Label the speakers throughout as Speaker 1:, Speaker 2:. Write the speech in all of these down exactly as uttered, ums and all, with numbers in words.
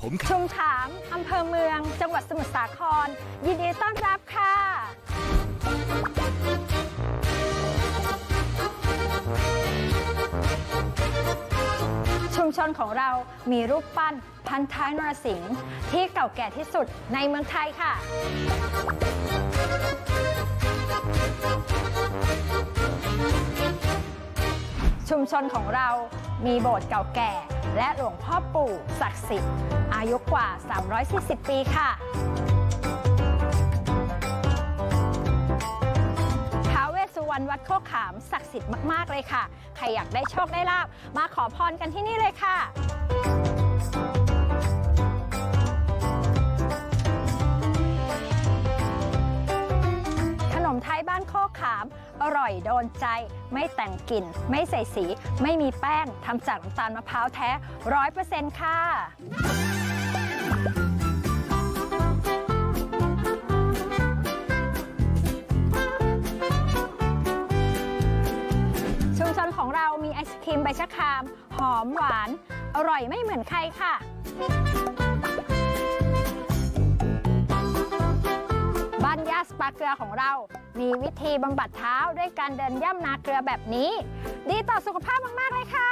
Speaker 1: ผม
Speaker 2: ชุมฉางอำเภอเมืองจังหวัดสมุทรสาครยินดีต้อนรับค่ะชุมชนของเรามีรูปปั้นพันท้ายนรสิงห์ที่เก่าแก่ที่สุดในเมืองไทยค่ะชุมชนของเรามีโบสถ์เก่าแก่และหลวงพ่อปู่ศักดิ์สิทธิ์อายุกว่าสามร้อยสี่สิบปีค่ะท้าวเวสสุวรรณวัดโคกขามศักดิ์สิทธิ์มากๆเลยค่ะใครอยากได้โชคได้ลาภมาขอพรกันที่นี่เลยค่ะขนมไทยบ้านโคกขามอร่อยโดนใจไม่แต่งกลิ่นไม่ใส่สีไม่มีแป้งทำจากน้ำตาลมะพร้าวแท้ ร้อยเปอร์เซ็นต์ ค่ะชุมชนของเรามีไอศครีมใบชะครามหอมหวานอร่อยไม่เหมือนใครค่ะบ้านย่าสปาเกลือของเรามีวิธีบำบัดเท้าด้วยการเดินย่ำนาเกลือแบบนี้ดีต่อสุขภาพมากๆเลยค่ะ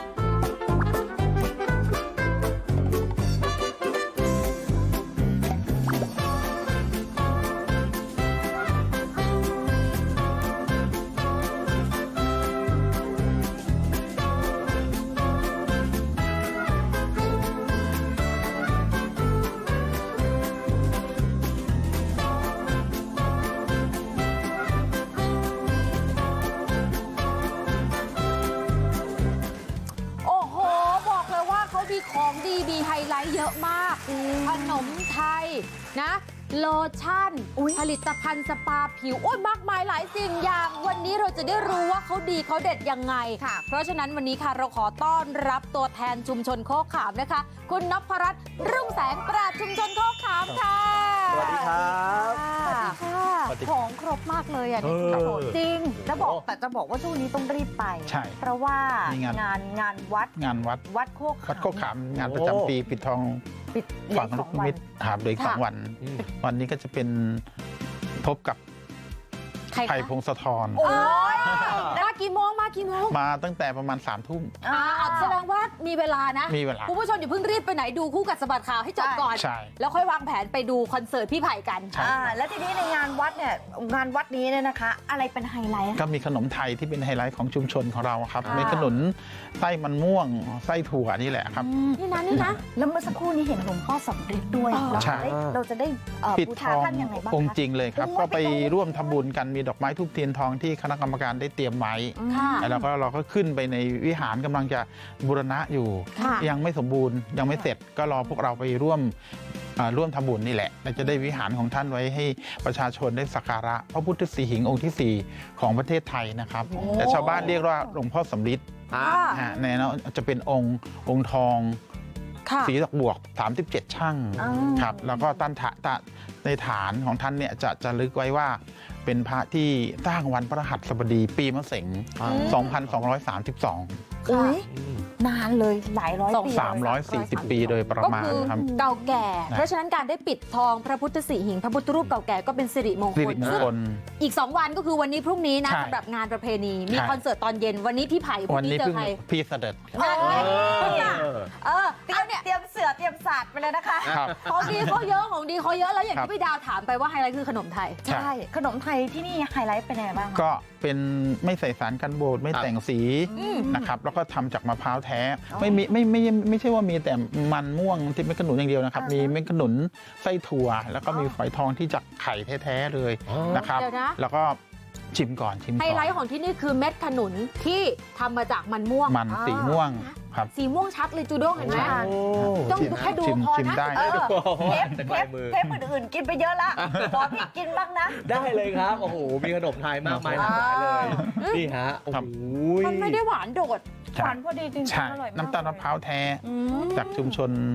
Speaker 3: ของดีมีไฮไลท์เยอะมากขนมไทยนะโลชั่นผลิตภัณฑ์สปาผิวโอ้ยมากมายหลายสิ่งอย่างวันนี้เราจะได้รู้ว่าเขาดีเขาเด็ดยังไงค่ะเพราะฉะนั้นวันนี้ค่ะเราขอต้อนรับตัวแทนชุมชนโคกขามนะคะคุณนพรัตน์รุ่งแสงปราชญ์ชุมชนโคกขามค่ะ
Speaker 4: สวัสดีครับ
Speaker 3: ของครบมากเลยอ่ะจริงจะบอกแต่จะบอกว่าช่วงนี้ต้องรีบไปใช่เพราะว่างานงานวัด
Speaker 4: งานวัด
Speaker 3: วัดโคก
Speaker 4: วัดโคกขามงานประจำปีปิดทองฝังลูกนิมิตหาบโดยสองวันวันนี้ก็จะเป็นพบกับไผ่พงศธร
Speaker 3: โอ้ยมากี่โมงมากี่โมง
Speaker 4: มาตั้งแต่ประมาณสามทุ่ม
Speaker 3: อ่าแสดงว่ามีเวลานะ
Speaker 4: มีเวลา
Speaker 3: คุณผู้ชมอย่าเพิ่งรีบไปไหนดูคู่กัดสะบัดข่าวให้จบก่อนแล้วค่อยวางแผนไปดูคอนเสิร์ตพี่ไผ่กัน
Speaker 5: อ่าแล้วทีนี้ในงานวัดเนี่ยงานวัดนี้เนี่ยนะคะอะไรเป็นไฮไลท์
Speaker 4: ก็มีขนมไทยที่เป็นไฮไลท์ของชุมชนของเราครับมีขนมไส้มันม่วงไส้ถั่วนี่แหละครับ
Speaker 3: นี่นะนี่นะ
Speaker 5: แล้วเมื่อสักครู่นี้เห็นหลวงพ่อสำริดด้วยเราจะได้เราจะได้
Speaker 4: ปิดทององค์จริงเลยครับก็ไปร่วมทำบุญกันมีดอกไม้ทูบเทียนทองที่คณะกรรมการได้เตรียมไว้แล้วก็เราก็ขึ้นไปในวิหารกำลังจะบูรณะอยู่ยังไม่สมบูรณ์ยังไม่เสร็จก็รอพวกเราไปร่วมร่วมทำบุญนี่แหละเราจะได้วิหารของท่านไว้ให้ประชาชนได้สักการะพระพุทธสีหิงค์องค์ที่สี่ของประเทศไทยนะครับแต่ชาวบ้านเรียกว่าหลวงพ่อสำริดในนั้นจะเป็นองค์องค์ทองสีดอกบวกสามสิบเจ็ดช่างครับแล้วก็ตั้นถะในฐานของท่านเนี่ยจะจะลึกไว้ว่าเป็นพระที่สร้างวันพฤหัสบดีปีมะเสงสองพันสองร้อยสามสิบสอง
Speaker 5: อุ้ยนานเลยหลายร้อยปี
Speaker 4: สามร้อยสี่สิบปีโดยประมาณครับ
Speaker 3: เก่าแก่เพราะฉะนั้นการได้ปิดทองพระพุทธสีหิงพระพุทธรูปเก่าแก่ก็เป็นสิริมงคลอีกสองวันก็คือวันนี้พรุ่งนี้นะสำหรับงานประเพณีมีคอนเสิร์ตตอนเย็นวันนี้พี่ไผ่พรุ่งนี้เจอใคร
Speaker 4: พี่เสด็จ
Speaker 3: เออ
Speaker 5: เตรียมเตรียมเสือเตรียมศาสตร์ไปเลยนะคะ
Speaker 3: ของดีเขาเยอะของดีเขาเยอะแล้วอย่างที่พี่ดาวถามไปว่าไฮไลท์คือขนมไทย
Speaker 5: ใช่ขนมไทยที่นี่ไฮไลท์เป็นยังไงบ้าง
Speaker 4: ก็เป็นไม่ใส่สารกันบูดไม่แต่งสีนะครับแล้วก็ทำจากมะพร้าวแท้ไม่มีไม่ไม่ไม่ใช่ว่ามีแต่มันม่วงที่เป็นขนุนอย่างเดียวนะครับมีเม็ดขนุนไส้ถั่วแล้วก็มีฝอยทองที่จากไข่แท้ๆเลยนะครับแล้วก็ชิมก่อนชิมก่อน
Speaker 3: ไฮไลท์ของที่นี่คือเม็ดขนุนที่ทำมาจากมันม่วง
Speaker 4: มันสีม่วงครับ
Speaker 3: สีม่วงชัดเลยจูด้งเห็นไหมต้องแค่ดูพอนะ
Speaker 5: เทปเทปเทปอื่นๆกินไปเยอะละขอพี่กินบ้างนะ
Speaker 6: ได้เลยครับโอ้โหมีขนมไทยมากมายหลากหลายเลยนี่ฮะโอ้โห
Speaker 3: มันไม่ได้หวานโดด
Speaker 5: หวานพอดีจริงๆอร่อยมาก
Speaker 4: น้ำตาลมะพร้าวแท้จากชุมชน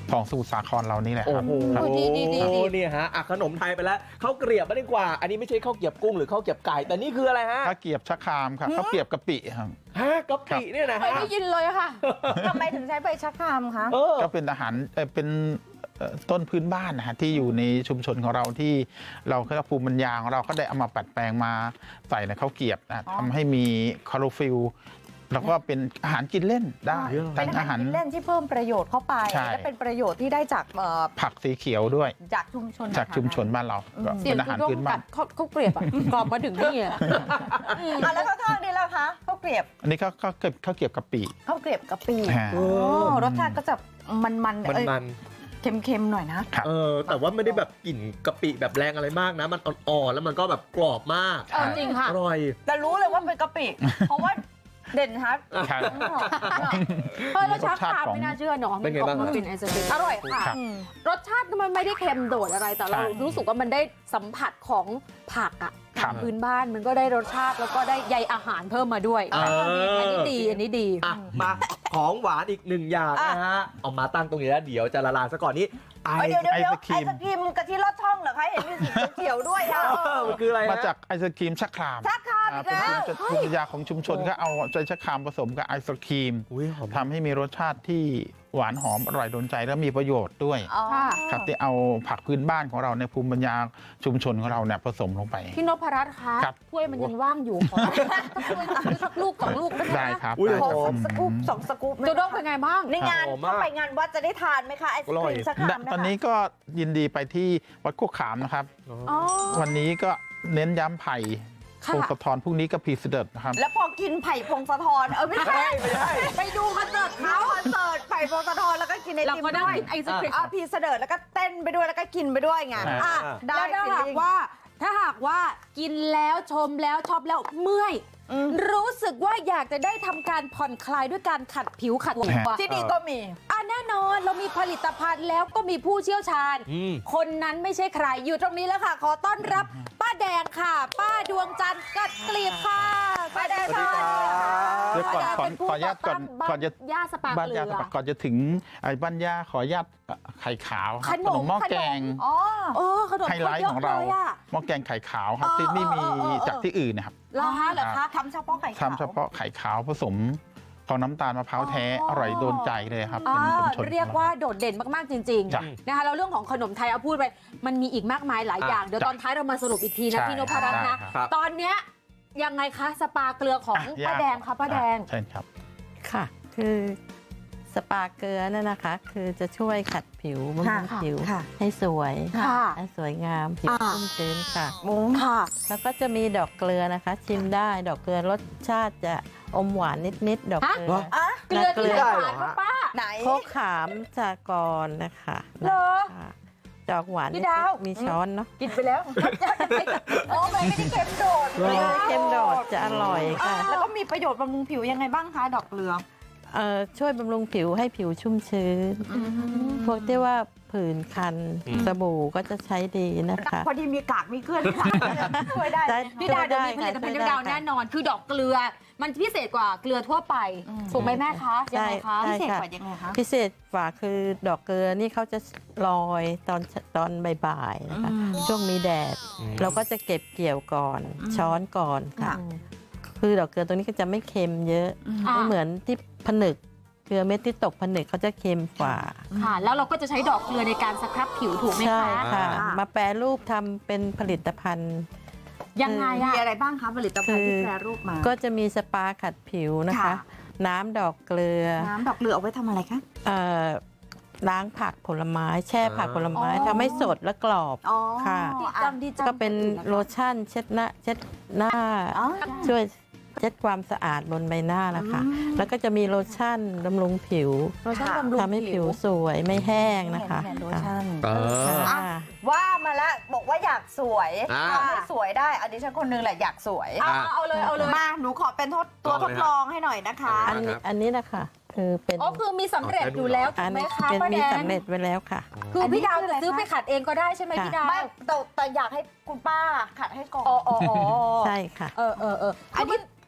Speaker 4: ของสมุทรสาครเรานี่แหละค
Speaker 6: โอ้
Speaker 4: รับ
Speaker 6: โห
Speaker 4: ครับ
Speaker 3: ดีดีดีดี
Speaker 6: เนี่ยฮะอ่ะขนมไทยไปแล้วข้าวเกรียบไม่ดีกว่า อันนี้ไม่ใช่ข้าวเกรียบกุ้งหรือข้าวเกรียบไก่ แต่นี่คืออะไรฮะ
Speaker 4: ข้าวเกรียบชะครามครับข้าวเกรียบกะปิครับ
Speaker 6: ฮะกะปิเนี่ยนะ
Speaker 3: ไม่
Speaker 6: ฮะ
Speaker 3: ได้ยินเลยค่ะ
Speaker 5: ทำไมถึงใช้ใบชะครามคะ
Speaker 6: เออ
Speaker 4: ก็เป็นอาหารเอ่อเป็นเอ่อต้นพื้นบ้านนะฮะที่อยู่ในชุมชนของเราที่เราคือภูมิปัญญาของเราก็ได้เอามาปัดแปลงมาใส่ในข้าวเกรียบนะ
Speaker 5: อ๋อ
Speaker 4: ทำให้มีคลอโรฟิลแล้วก็เป็นอาหารกินเล่นได้
Speaker 5: เป็
Speaker 4: ทั้
Speaker 5: น
Speaker 4: ง
Speaker 5: อา
Speaker 4: อา
Speaker 5: หา
Speaker 4: หาร ร
Speaker 5: กินเล่นที่เพิ่มประโยชน์เข้าไป
Speaker 4: ใช่
Speaker 5: และเป็นประโยชน์ที่ได้จากเอ่อ
Speaker 4: ผักสีเขียวด้วย
Speaker 5: จากชุมชน
Speaker 4: จากชุมชนบ้านเราก็
Speaker 3: เสีย
Speaker 4: เป็
Speaker 3: ง
Speaker 4: นอาหาร
Speaker 3: คุณ
Speaker 4: พื้น
Speaker 3: ต้อง
Speaker 4: บ้า
Speaker 3: ตั
Speaker 4: น
Speaker 3: ดข้าวข้าวเกรียบอ่ะกรอบมาถึงนี่อ่ะ
Speaker 5: อ่ะแล้วข้าวทอดนี่ล่ะคะข้าวเกรียบ
Speaker 4: อันนี้ก็ก็เก็บข้าวเกรียบกะปิ
Speaker 5: ข้าวเกรียบกะปิ
Speaker 4: ฮะ
Speaker 6: เอ
Speaker 5: โอ้
Speaker 6: อ
Speaker 5: รสชาติก็จะมันๆ
Speaker 6: มัน
Speaker 5: เอ้ย
Speaker 6: มัน
Speaker 5: เค็มๆหน่อยนะ
Speaker 4: ครับ
Speaker 6: เออแต่ว่าไม่ได้แบบกลิ่นกะปิแบบแรงอะไรมากนะ มันอ่อนๆแล้วมันก็แบบกรอบมาก
Speaker 3: เออจริงค่ะ
Speaker 6: อร่อย
Speaker 5: แต่รู้เลยว่าเป็นกะปิ เพราะว่าเด่นชัด
Speaker 4: ครับ
Speaker 3: เฮ้ยแล้วชาร
Speaker 4: สชาติ
Speaker 3: คาม
Speaker 4: ของ
Speaker 3: ไม่น่าเชื่อเนาะ
Speaker 6: เป็นไงบ้าง
Speaker 3: มัน
Speaker 6: ฮะ
Speaker 3: เป็นไอศกรีม
Speaker 5: อร่อยค่ะ
Speaker 4: ครับ
Speaker 5: อืม
Speaker 3: รสชาติมันไม่ได้เค็มโดดอะไรแต่เรา
Speaker 4: ใช่
Speaker 3: รู้สึกว่ามันได้สัมผัสของผักอ่ะ
Speaker 4: ครับ
Speaker 3: พื้นบ้านมันก็ได้รสชาติแล้วก็ได้ใยอาหารเพิ่มมาด้วย
Speaker 6: เอออั
Speaker 3: อันนี้ดีอันนี้ดี
Speaker 6: อ่ะมาของหวานอีกหนึ่งอย่างนะฮะเอามาตั้งตรงนี้แล้วเดี๋ยวจะละลายซะก่อนนี้ไอ
Speaker 5: เอ้ยเดี๋ยวเดี๋ยว
Speaker 4: ไอ
Speaker 5: เดี๋ยว
Speaker 4: ศกรี
Speaker 5: ไอ
Speaker 4: ม
Speaker 5: ศกรีมกะทิลอดช่องเหรอคะ เห็นมีสีเขียวๆด้วยอ่ะ
Speaker 6: เออมันคืออะไรฮะ
Speaker 4: มาจากไอศกรีมชะคราม
Speaker 5: ชาคราม
Speaker 4: อ่า
Speaker 5: อีก
Speaker 4: เป็น
Speaker 5: แล้ว
Speaker 4: ภูมิปัญญาของชุมชนก็เอาใจชะครามผสมกับไอศครีม
Speaker 6: อุ้ยหอม
Speaker 4: ทำให้มีรสชาติที่หวานหอมอร่อยโดนใจและมีประโยชน์ด้วย
Speaker 5: อ๋อ
Speaker 3: ค่ะ
Speaker 4: ครับที่เอาผักพื้นบ้านของเราในภูมิปัญญาชุมชนของเราเนี่ยผสมลงไป
Speaker 3: พี่นพรัตน์คะ
Speaker 4: ครับ
Speaker 3: ถ้วยมันยังว่างอยู่ขอสักถ้วยสักลูกสองลูกได้ไหม
Speaker 4: ได้
Speaker 3: คะ
Speaker 4: ครับ
Speaker 6: อุ้ย
Speaker 4: ได้
Speaker 5: โอ้
Speaker 4: ค
Speaker 5: โห
Speaker 4: รับ
Speaker 5: สกู๊ปสองสกู๊ปไหม
Speaker 3: จะต้องเป็นไงบ้าง
Speaker 5: ในงาน
Speaker 6: หอมมาก
Speaker 5: เข้าไปงานวัดจะได้ทานไหมคะไอศกรีมชาคราม
Speaker 4: ต
Speaker 5: นะ
Speaker 4: อน
Speaker 5: คะ
Speaker 4: นี้ก็ยินดีไปที่วัดโคกขามนะครับ
Speaker 3: อ๋อ
Speaker 4: วันนี้ก็เน้นย้ำไผ่
Speaker 3: ค่ะ
Speaker 4: โพงสะทอนพรุ่งนี้ก็พีเสด็จนะครับ
Speaker 5: แล้วพอกินไผ่พงศธรเออไม่ใช่
Speaker 6: ไม่ใช่
Speaker 3: ไปดูคอนเสิร์ต
Speaker 5: เขา
Speaker 3: เขา
Speaker 5: คอนเสิร์ตไผ่พงศธรแล้วก็กินไอ
Speaker 3: เรา
Speaker 5: ติม
Speaker 3: ก็ได้
Speaker 5: ด้วย
Speaker 3: กินไอศครีม
Speaker 5: อ่ะพีเสดิร์ดแล้วก็เต้นไปด้วยแล้วก็กินไปด้วยไง
Speaker 4: อ่า
Speaker 5: อ่ะได้
Speaker 3: แล้วถ้าหาก
Speaker 5: feeling
Speaker 3: ว่าถ้าหากว่ากินแล้วชมแล้วชอบแล้วเมื่อย
Speaker 5: อืม
Speaker 3: รู้สึกว่าอยากจะได้ทำการผ่อนคลายด้วยการขัดผิวขัดตัว
Speaker 5: ที่นี่ก็มี
Speaker 3: อ่ะแน่นอนเรามีผลิตภัณฑ์แล้วก็มีผู้เชี่ยวชาญ
Speaker 6: อืม
Speaker 3: คนนั้นไม่ใช่ใครอยู่ตรงนี้แล้วค่ะ ขอต้อนรับป้าแดงค่ะ ป้าดวงจันทร์กัดกลีบค่ะ
Speaker 5: ป้าแดง
Speaker 6: สวัสดีครับ
Speaker 4: เดี๋ยวก่อนขอ
Speaker 3: เป็นผู้
Speaker 4: ขออนุญาตก่อน
Speaker 3: ต่
Speaker 4: ก่อนจะ
Speaker 3: ย่าสปา
Speaker 4: บ้าน
Speaker 3: เกลื
Speaker 4: ยา
Speaker 3: อ
Speaker 4: สปักก่อนจะถึงไอ้บ้านยาขออนุญาตเอ่อไข่ขาวครับ
Speaker 3: ขนม
Speaker 4: หม้อ
Speaker 3: ขนม
Speaker 4: แกง
Speaker 5: อ๋อ
Speaker 3: โอ้ขนม
Speaker 4: ไฮไลท์ของเรา
Speaker 3: ยะลยะ
Speaker 4: หม้อแกงไข่ขาวครับ
Speaker 3: เออ
Speaker 4: ที่ไม่มี
Speaker 3: เออเออเออ
Speaker 4: จากที่อื่นนะครับ
Speaker 3: เหรอคะเหรอคะ
Speaker 5: ทำเฉพาะไข่ขาว
Speaker 4: ทำเฉพาะไข่ขาวผสมของน้ำตาลมะพร้าวแท้
Speaker 3: อ๋อ
Speaker 4: อร่อยโดนใจเลยครับ
Speaker 3: อ่า
Speaker 4: เป็นชุมชน
Speaker 3: เรียกว่าโดดเด่นมาก ๆ จริง
Speaker 4: จ้ะ
Speaker 3: ๆ นะคะแล้วเรื่องของขนมไทยเอาพูดไป มันมีอีกมากมายหลายอย่าง เดี๋ยว
Speaker 4: จ้ะ
Speaker 3: ตอนท้ายเรามาสรุปอีกทีนะ
Speaker 4: ใช่
Speaker 3: พี่นพรัตน์นะ
Speaker 4: ได้
Speaker 6: ครับ
Speaker 3: ตอนเนี้ยยังไงคะ สปาเกลือของ
Speaker 4: อ่ะ
Speaker 3: ป้าแดงคะป้าแดง
Speaker 4: อ่ะใช่ครับ
Speaker 1: ค่ะ คือสปาเกลือนั่นนะคะ คือจะช่วยขัดผิวบำรุง
Speaker 5: ค่ะ
Speaker 1: ผิว
Speaker 5: ค่ะ
Speaker 1: ให้สวย
Speaker 3: ค่ะ
Speaker 1: ให้สวยงามผิว
Speaker 3: อ่า
Speaker 1: ชุ่มชื้นค่ะ
Speaker 3: ค่ะ
Speaker 1: แล้วก็จะมีดอกเกลือนะคะ ชิมได้ดอกเกลือรสชาติจะอมหวานนิดๆดอกเกลือ
Speaker 5: อ่ะ
Speaker 3: เกลือที่ไหน
Speaker 6: ได้เหรอ
Speaker 3: หวานปะป้า
Speaker 5: ไหน
Speaker 1: โคกขามจากรนะคะ
Speaker 3: เหรอ
Speaker 1: นะคะดอกหวาน
Speaker 3: พี่
Speaker 1: นิด
Speaker 3: ดาว
Speaker 1: ๆมีช้อนเนาะ
Speaker 3: กินไปแล้ว
Speaker 5: โอ้มันไม่ได้เค็มโดด
Speaker 1: ไม่ได้เค็มโดดจะอร่อยค่ะ
Speaker 5: แล้วก็มีประโยชน์บำรุงผิวยังไงบ้างคะดอกเกลือ
Speaker 1: เอ่อช่วยบำรุงผิวให้ผิวชุ่มชื้น พวกที่ว่าผื่นคัน
Speaker 6: อืม
Speaker 1: สบู่ก็จะใช้ดีนะคะ
Speaker 5: พอดีมีกากมีเกลือนค่ะช่วยได้
Speaker 1: ได้
Speaker 3: พี่ดาวเดี๋ยวมีผลิตภัณฑ์พี่ดาวแน่นอน คือดอกเกลือ มันพิเศษกว่าเกลือทั่วไป
Speaker 5: อืม
Speaker 3: ถูกไหมแม่คะยังไงคะ
Speaker 1: ใช่
Speaker 5: พิเศษ
Speaker 1: ค่ะ
Speaker 5: กว่ายังไงคะ
Speaker 1: พิเศษกว่าคือดอกเกลือนี่เขาจะลอยตอนตอนบ่ายๆนะคะ
Speaker 5: อืม
Speaker 1: ช่วงมีแดด
Speaker 6: อืม
Speaker 1: เราก็จะเก็บเกี่ยวก่อน
Speaker 5: อืม
Speaker 1: ช้อนก่อนค่ะ
Speaker 5: ค่ะ
Speaker 1: คือดอกเกลือตัวนี้ก็จะไม่เค็มเยอะ
Speaker 3: อ่า
Speaker 1: ไม่เหมือนที่ผนึกเกลือเม็ดที่ตกผนึกเขาจะเค็มกว่า
Speaker 3: ค่ะ แล้วเราก็จะใช้ดอกเกลือในการสครับผิวถูกไหม
Speaker 1: ใช่
Speaker 3: คะ
Speaker 1: ค่ะ
Speaker 5: อ่าม
Speaker 1: มาแปรรูปทำเป็นผลิตภัณฑ์
Speaker 3: ยังไง
Speaker 5: มี
Speaker 3: อะ
Speaker 5: อะไรบ้างคะผลิตภัณฑ์ที่แปรรูปมา
Speaker 1: ก็จะมีสปาขัดผิวนะคะ
Speaker 5: ค่ะ
Speaker 1: น้ำดอกเกลือ
Speaker 5: น้ำดอกเกลือเอาไว้ทำอะไรคะ
Speaker 1: เอ่อล้างผักผลไม้ แช่ผักผลไม้
Speaker 3: อ๋อ
Speaker 1: ทำให้สดและกรอบ
Speaker 5: อ๋อ
Speaker 1: ค่ะ
Speaker 3: ดี
Speaker 5: อ่ะ
Speaker 3: จังดีจัง
Speaker 1: ก็เป็นโลชั่นเช็ดหน้าเช็ดหน้า
Speaker 5: อ๋อ
Speaker 1: ช่วยเช็ดความสะอาดบนใบหน้านะคะ
Speaker 5: อืม
Speaker 1: แล้วก็จะมีโลชั่นบำรุงผิว
Speaker 3: โลชั่นบำรุง
Speaker 1: ทำให้ผิวสวยไม่แห้งนะคะ
Speaker 5: แทนโลชั่น
Speaker 6: เออ
Speaker 1: ค่ะ
Speaker 5: ว่ามาแล้วบอกว่าอยากสวย
Speaker 6: อ่า
Speaker 5: ทำให้สวยได้อันนี้ฉันคนหนึงแหละอยากสวย
Speaker 3: เอาเอาเลยเอาเลย
Speaker 5: มาหนูขอเป็นทดตัว
Speaker 6: เอา
Speaker 5: ท
Speaker 6: เลย
Speaker 5: ด
Speaker 6: ฮะ
Speaker 5: ลองให้หน่อยนะคะ
Speaker 1: อันนี้อันนี้นะคะคือเป็น
Speaker 3: อ๋อคือมีสำเร็จอยู่แล้วถู
Speaker 1: อั
Speaker 3: ก
Speaker 1: น
Speaker 3: ไหม
Speaker 1: นี้
Speaker 3: คะ
Speaker 1: เป็น
Speaker 3: ป้า
Speaker 1: มี
Speaker 3: แดง
Speaker 1: สำเร็จไว้แล้วค่ะ
Speaker 3: คือพี่ดาว
Speaker 5: อันนี้คืออะไร
Speaker 3: จะซื้อ
Speaker 5: คะ
Speaker 3: ไปขัดเองก็ได้ใช่ไหม
Speaker 1: ค่ะ
Speaker 3: พี่ดาว
Speaker 5: ไม่แต่แต่อยากให้คุณป้าขัดให้ก่อน
Speaker 3: อ๋ออ๋ออ๋อ
Speaker 1: ใช่ค่ะ
Speaker 3: เออเออเอออันนี้ไม่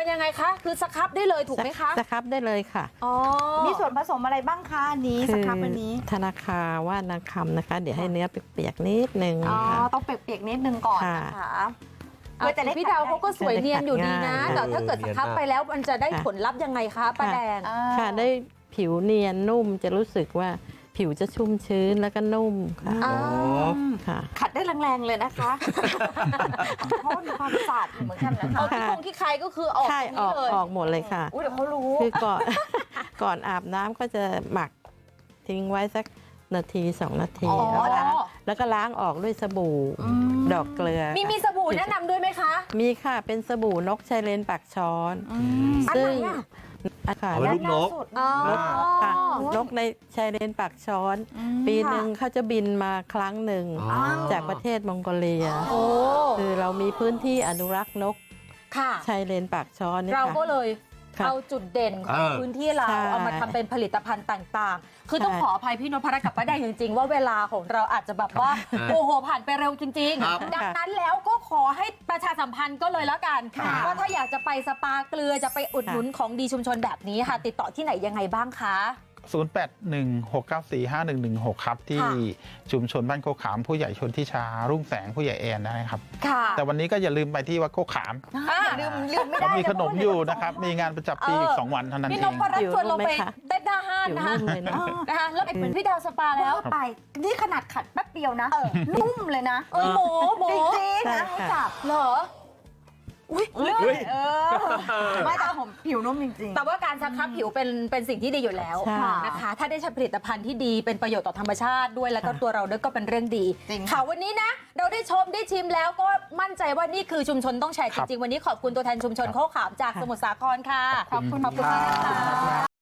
Speaker 3: เป็นยังไงคะ คือสครับได้เลยถูกไหมคะ
Speaker 1: สครับได้เลยค่ะ
Speaker 3: อ๋อ
Speaker 5: มีส่วนผสมอะไรบ้างคะอันนี้สครับอันนี้
Speaker 1: ธนาคารว่านางคำนะคะ เดี๋ยวให้เนื้อเปียกๆนิดนึง
Speaker 5: อ๋อ
Speaker 1: ค่ะ
Speaker 5: ต้องเปียกๆนิดนึงก่อน
Speaker 1: ค่ะ
Speaker 5: นะคะ
Speaker 3: เอาแต่พี่ดาวเขาก็สวยเนียนอยู่ดีนะ
Speaker 1: ง่าย
Speaker 3: แต่ถ้าเกิดสครับไปแล้วมันจะได้ผลลัพธ์ยังไงคะป้าแดง
Speaker 5: อ่า
Speaker 1: ค่ะได้ผิวเนียนนุ่มจะรู้สึกว่าผิวจะชุ่มชื้นแล้วก็นุ่มค่ะ
Speaker 3: อ๋อ
Speaker 1: ค่ะ
Speaker 5: ขัดได้แรงๆเลยนะคะ เพราะว่ามีความสะอาดอยู่เหมือนกันนะคะ
Speaker 3: เอาที่คงที่ใครก็คือออก
Speaker 1: ใช่
Speaker 3: ตรง
Speaker 1: อ
Speaker 3: นี้
Speaker 1: อก
Speaker 3: เลย
Speaker 1: ออกหมดเลยค่ะ
Speaker 5: อุ้ยเดี๋ยวเขารู้
Speaker 1: คือก่อน ก่อนอาบน้ำก็จะหมักทิ้งไว้สักนาทีสองนาที
Speaker 3: อ๋อ
Speaker 1: แล้วก็ล้างแล้วก็ล้างออกด้วยสบู่ดอกเกลือ
Speaker 3: มีมีสบู่แนะนำด้วยไหมคะ
Speaker 1: มีค่ะเป็นสบู่นกชายเลนปากช้อน
Speaker 3: อัน
Speaker 1: ซึ่
Speaker 3: ไหน
Speaker 1: ง
Speaker 3: อะ
Speaker 1: อาคาร
Speaker 6: เอาไว้ ลูกนก
Speaker 3: อ๋อ
Speaker 1: ค่ะนกในชายเลนปากช้อน ปีหนึ่งเขาจะบินมาครั้งหนึ่ง
Speaker 6: อ๋อ
Speaker 1: จากประเทศมองโกเลีย
Speaker 3: โอ้
Speaker 1: คือเรามีพื้นที่อนุรักษ์นก
Speaker 3: ค่ะ
Speaker 1: ชายเลนปากช้อนนี่
Speaker 3: เรา
Speaker 1: ค่ะ
Speaker 3: ก็เลย
Speaker 1: ค่ะ
Speaker 3: เอาจุดเด่นของ
Speaker 6: เออ
Speaker 3: พื้นที่เรา
Speaker 1: ใช่
Speaker 3: เอามาทำเป็นผลิตภัณฑ์ต่างๆ คือต้อง
Speaker 1: ใช่
Speaker 3: ขออภัยพี่นพรัตน์กับป้าแดงจริงๆ ว่าเวลาของเราอาจจะแบบว่า
Speaker 6: ครับ
Speaker 3: โอ้โหผ่านไปเร็วจริง
Speaker 6: ครับ
Speaker 3: ๆ ดังนั้นแล้วก็ขอให้ประชาสัมพันธ์ก็เลยแล้วกัน
Speaker 6: ค่ะ
Speaker 3: ว่าถ้าอยากจะไปสปาเกลือจะไปอุดหนุนของดีชุมชนแบบนี้ค่ะ ติดต่อที่ไหนยังไงบ้างคะ
Speaker 4: ศูนย์ แปด หนึ่ง หก เก้า สี่ ห้า หนึ่ง หนึ่ง หก ครับ ที่
Speaker 3: ค่ะ
Speaker 4: ชุมชนบ้านโคกขามผู้ใหญ่ชนทิชารุ่งแสงผู้ใหญ่แอนนะครับ
Speaker 3: ค่ะ
Speaker 4: แต่วันนี้ก็อย่าลืมไปที่วัดโคกขาม
Speaker 3: อ่ะ
Speaker 5: อย่าลืมลืมไม่
Speaker 4: เขา
Speaker 5: ได้
Speaker 4: มีขนมอยู่
Speaker 5: เลย
Speaker 4: นะครับ มีงานประจำปีอีก สอง วันเท่านั้น
Speaker 3: พี่
Speaker 4: เอน ง
Speaker 3: พรัตน์ชวนเราไป
Speaker 1: อยู่ไหมคะ
Speaker 3: เต้นหน้าห้าน
Speaker 1: ผิว
Speaker 3: นะคะ
Speaker 1: นุ่มเลยนะ
Speaker 3: นะคะแล้วเหมือนพี่ดาวสปาแล้ว
Speaker 5: ไป นี่ขนาดขัดแป๊บเดียวนะ นุ่มเลยนะ
Speaker 3: เออหมูหมู
Speaker 5: จริงๆ
Speaker 1: ใช่
Speaker 5: นะ
Speaker 1: ค่ะ
Speaker 5: จับ
Speaker 3: เหรอ
Speaker 5: เลื่อยเออ ไม่แต่ผมผิวนุ่มจริงๆ
Speaker 3: แต่ว่าการสครับผิวเป็นเป็นสิ่งที่ดีอยู่แล้ว
Speaker 1: ใช่
Speaker 3: นะคะ ถ้าได้ใช้ผลิตภัณฑ์ที่ดีเป็นประโยชน์ต่อธรรมชาติด้วยแล้วก็ตัวเราด้วยก็เป็นเรื่องดี
Speaker 5: จริงค่ะ
Speaker 3: ค่ะวันนี้นะ เราได้ชมได้ชิมแล้วก็มั่นใจว่านี่คือชุมชนต้องแชร์จริงๆ วันนี้ขอบคุณตัวแทนชุมชนโคกขามจากสมุทรสาครค่ะ
Speaker 5: ขอบคุณ
Speaker 3: ขอบคุณมากนะคะ